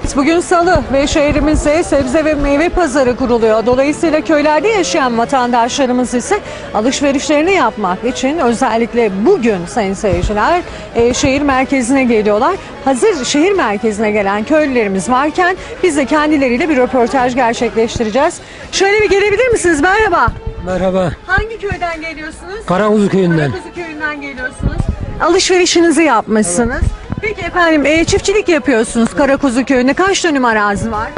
Bugün Salı ve şehrimizde sebze ve meyve pazarı kuruluyor. Dolayısıyla köylerde yaşayan vatandaşlarımız ise alışverişlerini yapmak için özellikle bugün sayın seyirciler şehir merkezine geliyorlar. Hazır şehir merkezine gelen köylülerimiz varken biz de kendileriyle bir röportaj gerçekleştireceğiz. Şöyle bir gelebilir misiniz? Merhaba. Merhaba. Hangi köyden geliyorsunuz? Karakuzu köyünden. Karakuzu köyünden geliyorsunuz. Alışverişinizi yapmışsınız. Peki efendim çiftçilik yapıyorsunuz Karakuzu köyünde. Kaç dönüm arazi var?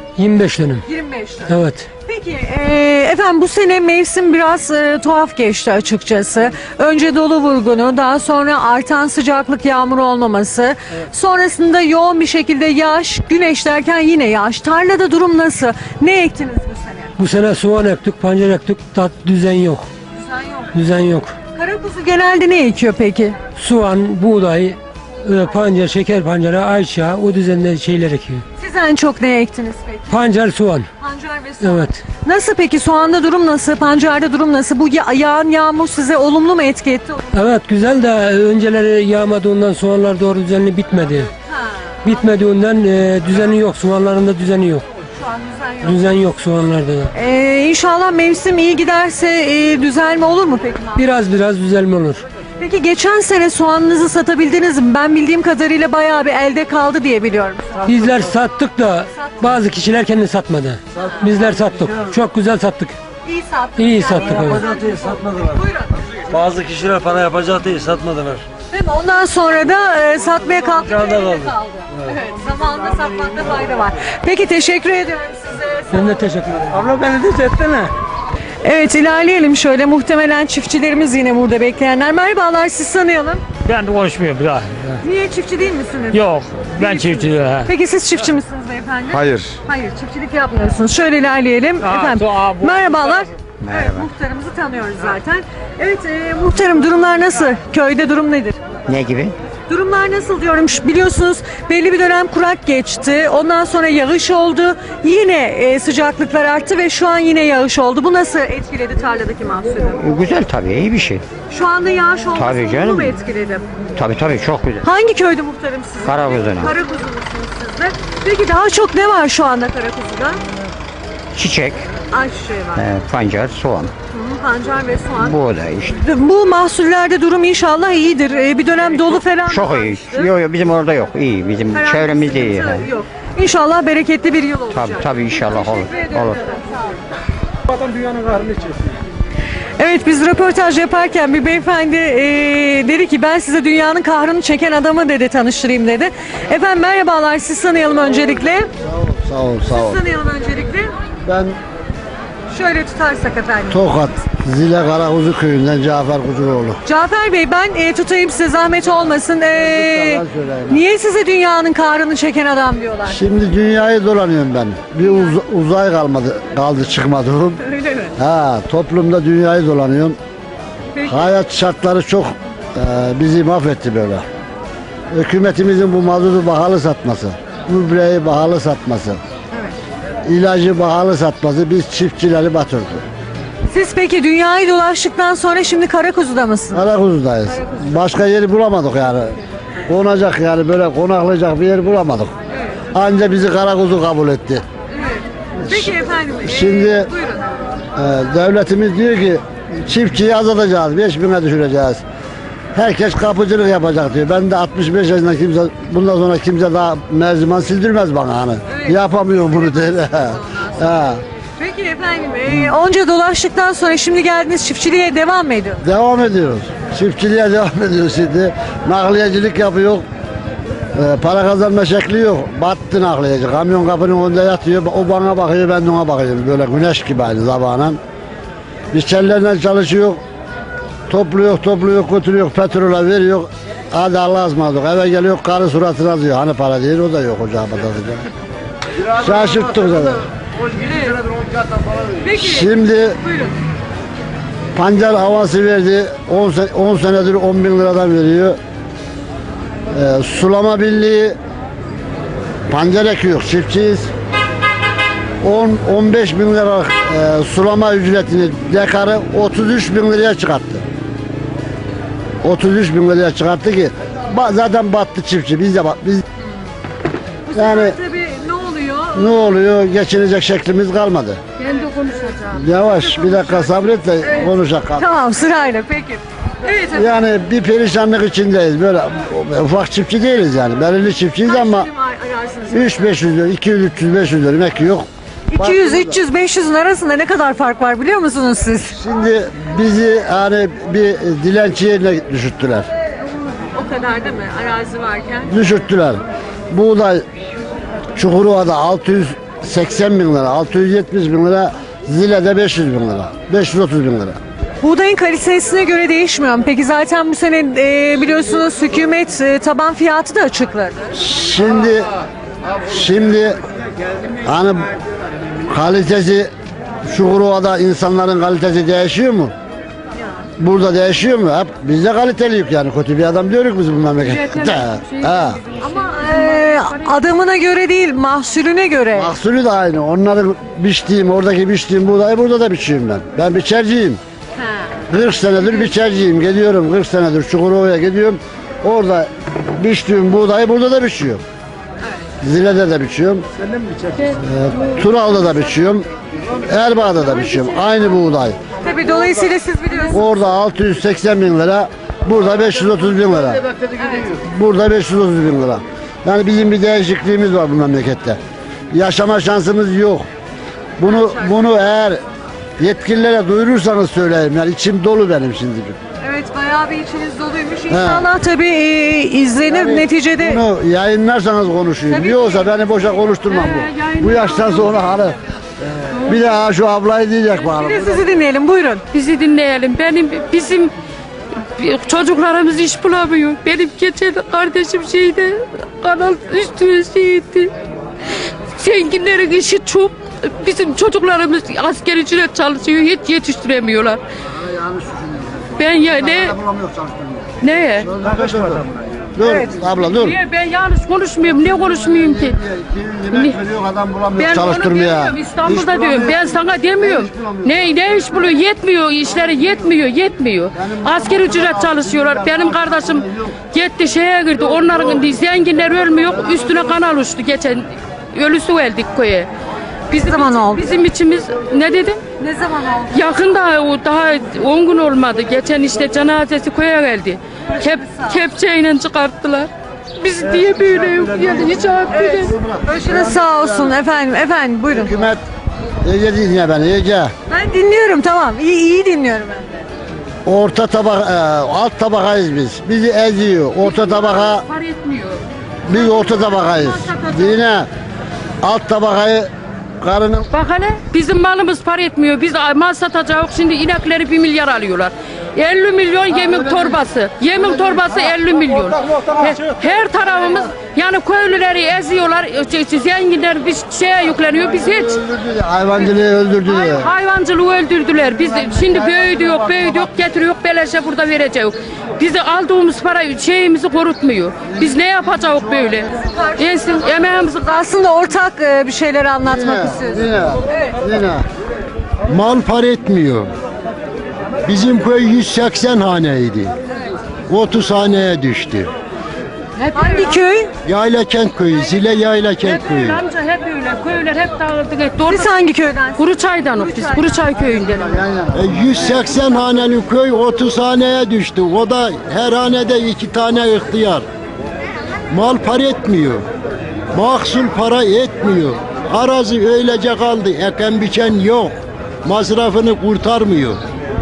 25 dönüm. 25 dönüm. Evet. Peki efendim bu sene mevsim biraz tuhaf geçti açıkçası. Önce dolu vurgunu, daha sonra artan sıcaklık, yağmur olmaması. Sonrasında yoğun bir şekilde yağış, güneş derken yine yağış. Tarlada durum nasıl? Ne ektiniz bu sene? Bu sene soğan ektik, pancar ektik, düzen yok. Düzen yok. Düzen yok. Karakuzu genelde ne ekiyor peki? Soğan, buğday, pancar, şeker pancarı, ayçiçeği, o düzende şeyler ekiyor. Siz en çok ne ektiniz peki? Pancar, soğan. Pancar ve soğan. Evet. Nasıl peki soğanda durum nasıl? Pancarda durum nasıl? Bu yağan yağmur size olumlu mu etki etti? Evet güzel de önceleri yağmadığından soğanlar doğru düzenli bitmedi. Ha, Bitmediğinden düzeni yok, soğanlarında düzeni yok. şu an düzen yok. Düzen yok soğanlarda da. İnşallah mevsim iyi giderse düzelme olur mu peki? Biraz düzelme olur. Peki geçen sene soğanınızı satabildiniz mi? Ben bildiğim kadarıyla bayağı bir elde kaldı diye biliyorum. Bizler sattık da bazı kişiler kendi satmadı. Bizler sattık. Çok güzel sattık. İyi sattık. İyi sattık, evet. Yapacak değil, satmadılar. Buyurun. Bazı kişiler para yapacak değil, satmadılar. Değil mi? Ondan sonra da satmaya kalktı. Kârda elde kaldı. Evet. Zamanında satmakta fayda var. Peki teşekkür ediyorum size. Ben de teşekkür ederim. Abla beni de çeksene. Evet ilerleyelim şöyle. Muhtemelen çiftçilerimiz yine burada bekleyenler. Merhabalar, siz tanıyalım. Ben de konuşmuyorum daha. Niye, çiftçi değil misiniz? Yok, ben Değilsiniz. çiftçi. Peki siz çiftçi misiniz beyefendi? Hayır. Hayır, çiftçilik yapmıyorsunuz. Şöyle ilerleyelim. Efendim, bu- merhabalar. Evet, muhtarımızı tanıyoruz zaten. Evet, muhtarım durumlar nasıl? Köyde durum nedir? Ne gibi? Durumlar nasıl diyorum? Biliyorsunuz belli bir dönem kurak geçti. Ondan sonra yağış oldu. Yine sıcaklıklar arttı ve şu an yine yağış oldu. Bu nasıl etkiledi tarladaki mahsulü? Güzel tabii, iyi bir şey. Şu anda yağış olması Tabii olumlu canım. mu etkiledi? Tabii çok güzel. Hangi köyde muhtarım sizin? Karakuzu'na. Karakuzu'lusunuz siz de. Peki daha çok ne var şu anda Karakuzu'da? Çiçek, Ayçiçeği var. pancar, soğan, Pancar ve soğan. buğday işte. Bu mahsullerde durum inşallah iyidir. Bir dönem dolu falan Çok iyi. varmıştı. Yok bizim orada yok. İyi. Bizim Herhangi bir çevremizde iyi. sıkıntı he. Yok. İnşallah bereketli bir yıl olacak. Tabii inşallah olur. Teşekkür ediyorum. Olur. Sağ olun. Adam dünyanın kahrını çeksin. Evet, biz röportaj yaparken bir beyefendi dedi ki ben size dünyanın kahrını çeken adamı dedi, tanıştırayım dedi. Efendim merhabalar, siz tanıyalım öncelikle. Sağ ol, sağ ol. Siz tanıyalım öncelikle. Ben Şöyle tutarsak efendim. Tokat, Zile Karakuzu köyünden Cafer Kuzuroğlu. Cafer Bey, ben tutayım size, zahmet olmasın. söyleyeyim. Niye size dünyanın kahrını çeken adam diyorlar? Şimdi dünyayı dolanıyorum ben. Bir uzay kaldı çıkmadım. Öyle mi? Ha, toplumda dünyayı dolanıyorum. Peki. Hayat şartları çok bizi mahvetti böyle. Hükümetimizin bu mazotu pahalı satması, gübreyi pahalı satması, ilacı pahalı satması biz çiftçileri batırdı. Siz peki dünyayı dolaştıktan sonra şimdi Karakuzu'da mısınız? Karakuzu'dayız. Başka yeri bulamadık yani. Konacak yani böyle konaklayacak bir yer bulamadık. Anca bizi Karakuzu kabul etti. Peki efendim. Şimdi Buyurun. devletimiz diyor ki çiftçiyi azaltacağız, 5.000'e düşüreceğiz. Herkes kapıcılık yapacak diyor. Ben de 65 yaşında bundan sonra kimse daha mercimek sildirmez bana hani. Yapamıyorum bunu diye. Ha. Peki efendim. Onca dolaştıktan sonra şimdi geldiniz, çiftçiliğe devam mı ediyorsunuz? Devam ediyoruz. Çiftçiliğe devam ediyoruz şimdi. Nakliyecilik yapıyor. Para kazanma şekli yok. Battı nakliyeci. Kamyon kapının önünde yatıyor. O bana bakıyor, ben de ona bakıyorum. Böyle güneş gibi aynı sabahın. Biz kellerle çalışıyor. Topluyor, götürüyor, petrola veriyor. Hadi Allah'a ısmarladık. Eve geliyor, karı suratına diyor. Hani para değil, o da yok ocağa batacak. Şaşırttık zaten. Peki. Şimdi Buyurun. pancar havası verdi. 10 senedir 10 bin liradan veriyor. Sulama birliği pancar ekiyor, çiftçiyiz. 10-15 bin lira sulama ücretini dekarı 33 bin liraya çıkarttı. 33 bin liraya çıkarttı ki zaten battı çiftçi. Biz Bu yani sefer tabii Ne oluyor? Geçinecek şeklimiz kalmadı. Ben de konuşacağım. Yavaş bir dakika sabret de konuşak. Tamam sırayla peki. Evet efendim. Yani bir perişanlık içindeyiz. Böyle ufak çiftçi değiliz yani. Belirli çiftçiyiz ama Ararsınız. 3-500 lira, 200-300-500 lira emek yok. 200, 300, 500'ün arasında ne kadar fark var biliyor musunuz siz? Şimdi bizi hani bir dilenci yerine düşürttüler. O kadar değil mi? Arazi varken. Düşürttüler. Buğday Çukurova'da 680 bin lira, 670 bin lira, Zile'de 500 bin lira, 530 bin lira. Buğdayın kalitesine göre değişmiyor mu? Peki zaten bu sene biliyorsunuz hükümet taban fiyatı da açıkladı. Şimdi hani kalitesi Çukurova'da insanların kalitesi değişiyor mu? Burada değişiyor mu? Hep biz de kaliteliyik yani. Kötü bir adam diyoruz biz bu memlekette. Ha. Ama adamına göre değil, mahsulüne göre. Mahsulü de aynı. Onların biçtiğim, oradaki biçtiğim buğdayı burada da biçiyorum ben. Ben biçerciyim. 40 senedir biçerciyim. Gidiyorum 40 senedir Çukurova'ya gidiyorum. Orada biçtiğim buğdayı burada da biçiyorum. Zile'de de biçiyorum. Tural'da da biçiyorum. Erbaa'da da biçiyorum. Aynı buğday. Tabii dolayısıyla siz biliyorsunuz. Orada 680 bin lira, burada 530 bin lira. Burada 530 bin lira. Yani bizim bir değişikliğimiz var bu memlekette. Yaşama şansımız yok. Bunu eğer yetkililere duyurursanız söyleyeyim. Yani içim dolu benim şimdi. Evet bayağı bir içiniz doluymuş. İnşallah tabii izlenir neticede. Bunu yayınlarsanız konuşayım. Tabii Yoksa beni boşa konuşturmam bu. Bu yaştan sonra hani bir daha şu ablayı diyecek bana. Bir de sizi dinleyelim buyurun. Bizi dinleyelim. Bizim çocuklarımız iş bulamıyor. Benim geçen kardeşim kanal üstüne şeydi. Zenginlerin işi çok. Bizim çocuklarımız askeri ücret çalışıyor. Hiç yetiştiremiyorlar. Ben ya neye? Dur abla dur. Niye ben yanlış konuşmuyorum? Niye konuşmayayım ki? Adam bulamıyor Ben onu çalıştırmaya. demiyorum, İstanbul'da diyorum. Ben sana demiyorum. Ne iş buluyor? Yetmiyor. İşleri yetmiyor. Asker ücret çalışıyorlar. Benim kardeşim gitti şeye girdi. Onların zenginler ölmüyor. Üstüne kanal uçtu geçen. Ölüsü geldik köye. Ne zaman oldu? Bizim içimiz ne dedin? Ne zaman oldu? Yakında daha 10 gün olmadı. Geçen işte cenazesi köye geldi. Kepçeyle çıkarttılar. Biz diye böyle yok yani hiç affedin. Başınız sağ olsun efendim. Efendim buyurun. Hükümet Ece dinle beni Ece. Ben dinliyorum tamam. İyi dinliyorum ben. Orta tabaka, alt tabakayız biz. Bizi eziyor. Orta tabaka, Par etmiyor. biz orta tabakayız. Yine alt tabakayı karının Bak hele bizim malımız par etmiyor. Biz mal satacağız. Şimdi inekleri 1 milyar alıyorlar. 50 milyon yemin torbası. Yemin torbası 50 milyon. Her tarafımız yani köylüleri eziyorlar. Zenginler bir şeye yükleniyor. Biz hiç öldürdüler, hayvancılığı öldürdüler. hayvancılığı öldürdüler. Biz şimdi büyüdük, getiriyor, beleşe burada vereceğiz. Bizi aldığımız para şeyimizi korutmuyor. Biz ne yapacağız böyle? Emeğimizi Aslında ortak bir şeyler anlatmak istiyoruz. Yine. Mal par etmiyor. Bizim köy 180 haneydi. 30 haneye düştü. Hangi köy? Yaylakent köyü, Zile Yaylakent hep köyü. öyle amca hep öyle. Köyler hep dağıldı gitti. Siz hangi köyden? Kuruçay'dan biz. Kuruçay köyünden. 180 haneli köy 30 haneye düştü. O da her hanede 2 tane ihtiyar. Mal par etmiyor. Mahsul para etmiyor. Arazi öylece kaldı. Eken biçen yok. Masrafını kurtarmıyor.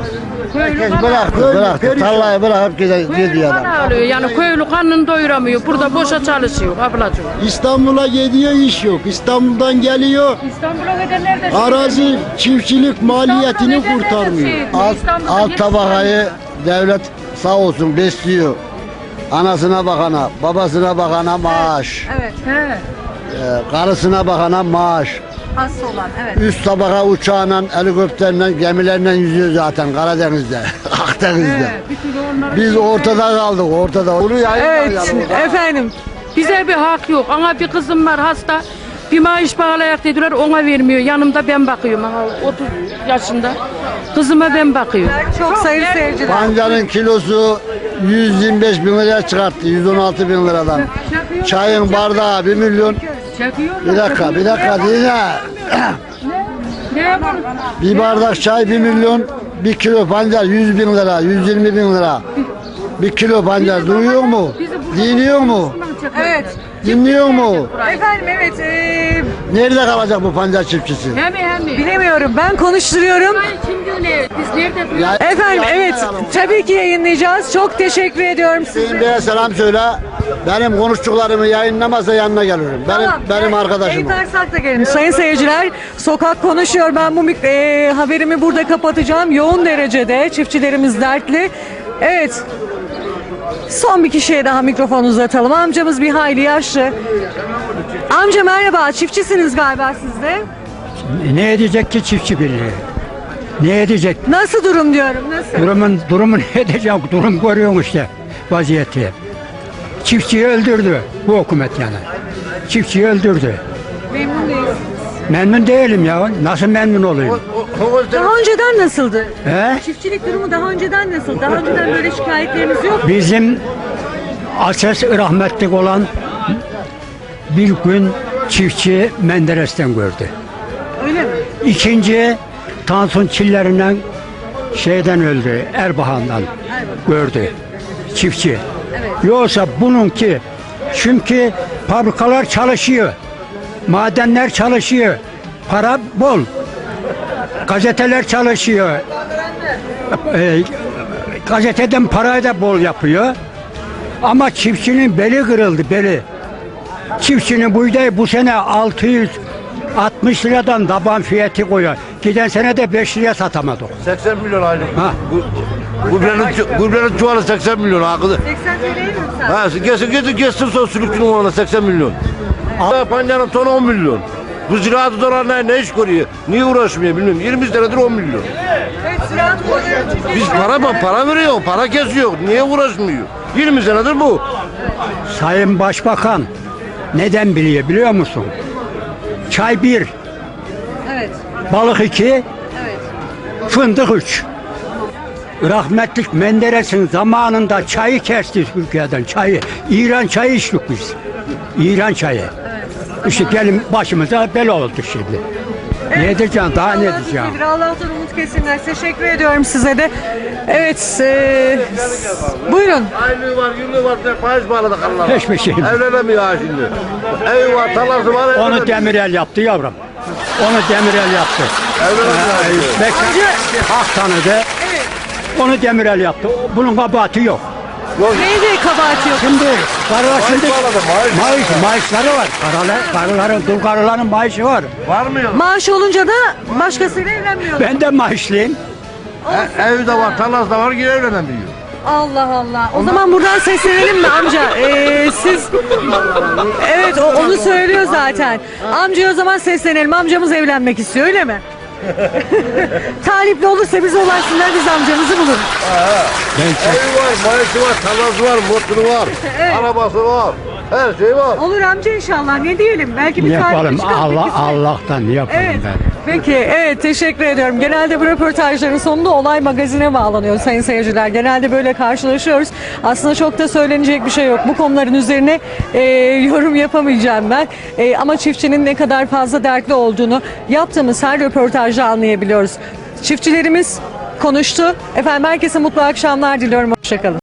Bıraktı. Tarlayı bırakıp gidiyor adam. Para alıyor. Yani köylü karnını doyuramıyor. Burada boşa çalışıyor ablacığım. İstanbul'a gidiyor iş yok. İstanbul'dan geliyor. İstanbul'a gidenler de Arazi çiftçilik maliyetini kurtarmıyor. Alt tabakayı devlet sağ olsun besliyor. Anasına bakana, babasına bakana maaş. Evet. He. Karısına bakana maaş. Hasta olan evet. Üst tabaka uçağla, helikopterle, gemilerle yüzüyor zaten Karadeniz'de, Akdeniz'de. Biz ortada kaldık, ortada. Bunu Evet efendim. Bize bir hak yok. Ama bir kızım var hasta. Bir maaş bağlayak dediler ona vermiyor. Yanımda ben bakıyorum. Aha, 30 yaşında. Kızıma ben bakıyorum. Çok sayılı seyirciler. Pancarın kilosu 125 bin liraya çıkarttı, 116 bin liradan. Çayın bardağı 1 milyon, Çekiyorlar. Bir dakika dinle. Ne yapalım? Bir bardak çay 1 milyon, 1 kilo pancar 100 bin lira, 120 bin lira. 1 kilo pancar duyuyor mu? Dinliyor mu? Evet. Dinliyor mu? Efendim evet. Nerede kalacak bu pancar çiftçisi? Hem. Bilemiyorum. Ben konuşturuyorum. Şimdi ne? Biz nerede duruyoruz? Ya- Efendim evet. Tabii ki yayınlayacağız. Çok teşekkür ediyorum size. Hüseyin Bey'e selam söyle. Benim konuştuklarımı yayınlamazsa yanına gelirim. Benim arkadaşım. o. Eyüp Ersak da gelin. Sayın seyirciler, sokak konuşuyor. Ben bu haberimi burada kapatacağım. Yoğun derecede çiftçilerimiz dertli. Evet. Son bir kişiye daha mikrofon uzatalım. Amcamız bir hayli yaşlı. Amca merhaba. Çiftçisiniz galiba siz de. Ne edecek ki çiftçi birliği? Ne edecek? Nasıl durum diyorum. Nasıl? Durumu ne edecek? Durum görüyorsun işte vaziyeti. Çiftçiyi öldürdü bu hükümet yani. Çiftçiyi öldürdü. Memnun değiliz. Memnun değilim ya. Nasıl memnun olayım? Daha önceden nasıldı? He? Çiftçilik durumu daha önceden nasıl? Daha önceden böyle şikayetleriniz yok mu? Bizim asas rahmetlik olan bir gün çiftçi Menderes'ten gördü. Öyle mi? İkinci Tansun Çillerinden şeyden öldü, Erbakan'dan gördü çiftçi. Yoksa bununki çünkü fabrikalar çalışıyor, madenler çalışıyor, para bol, gazeteler çalışıyor, gazeteden parayı da bol yapıyor. Ama çiftçinin beli kırıldı, beli. Çiftçinin buğdayı bu sene 660 liradan taban fiyatı koyuyor. Giden sene de 5 liraya satamadık. 80 milyon aylık. Ha. Gübrenin çuvalı 80 milyon akıllı. 80 TL'ye mi sen? Geçsin son sülükçünün oğluna 80 milyon. Pancarın tonu 10 milyon. Bu ziraat odalarına ne iş görüyor? Niye uğraşmıyor bilmiyorum. 20 senedir 10 milyon. Evet, ziraat oluyor. Biz para veriyor, para kesiyor. Niye uğraşmıyor? 20 senedir bu. Sayın Başbakan neden biliyor musun? Çay 1, Evet. balık 2, Evet. fındık 3. Rahmetlik Menderes'in zamanında çayı kesti Türkiye'den, çayı. İran çayı içtik biz. İran çayı. İşte gelin başımıza bela oldu şimdi. Ne edeceğim, daha ne edeceğim? Allah'tan umut kesinler. Teşekkür ediyorum size de. Evet. Buyurun. Aylığı var, yıllığı var, faiz bağladık Allah'a. Hiçbir şey. Evlenemiyor ha şimdi. Evi var, tarlası var, Onu Demirel yaptı yavrum. Onu Demirel yaptı. Bekle, hak tanıdı. Onu Demirel yaptı. Bunun kabahati yok. Neydi kabahati yok? Şimdi karılar şimdi maaşları var. Dul karıların maaşı var. Var mı yok? Maaş olunca da başkasıyla evlenmiyor. Ben de maaşlıyım. Evi de var, tarlası da var, yine evlenemiyor. Allah Allah. O zaman buradan seslenelim mi amca? Siz evet onu söylüyor zaten. Amcaya o zaman seslenelim. Amcamız evlenmek istiyor öyle mi? Talipli olursa bize ulaşsınlar biz amcamızı buluruz. Evi var, maaşı var, tarlası var, motoru var, arabası var. Her şey var. Olur amca inşallah. Ne diyelim? Belki bir Ne yapalım? talip çıkar. Allah'tan ne yapalım Evet. ben? Peki, evet teşekkür ediyorum. Genelde bu röportajların sonunda olay magazine bağlanıyor sayın seyirciler. Genelde böyle karşılaşıyoruz. Aslında çok da söylenecek bir şey yok. Bu konuların üzerine yorum yapamayacağım ben. Ama çiftçinin ne kadar fazla dertli olduğunu yaptığımız her röportajda anlayabiliyoruz. Çiftçilerimiz konuştu. Efendim herkese mutlu akşamlar diliyorum. Hoşçakalın.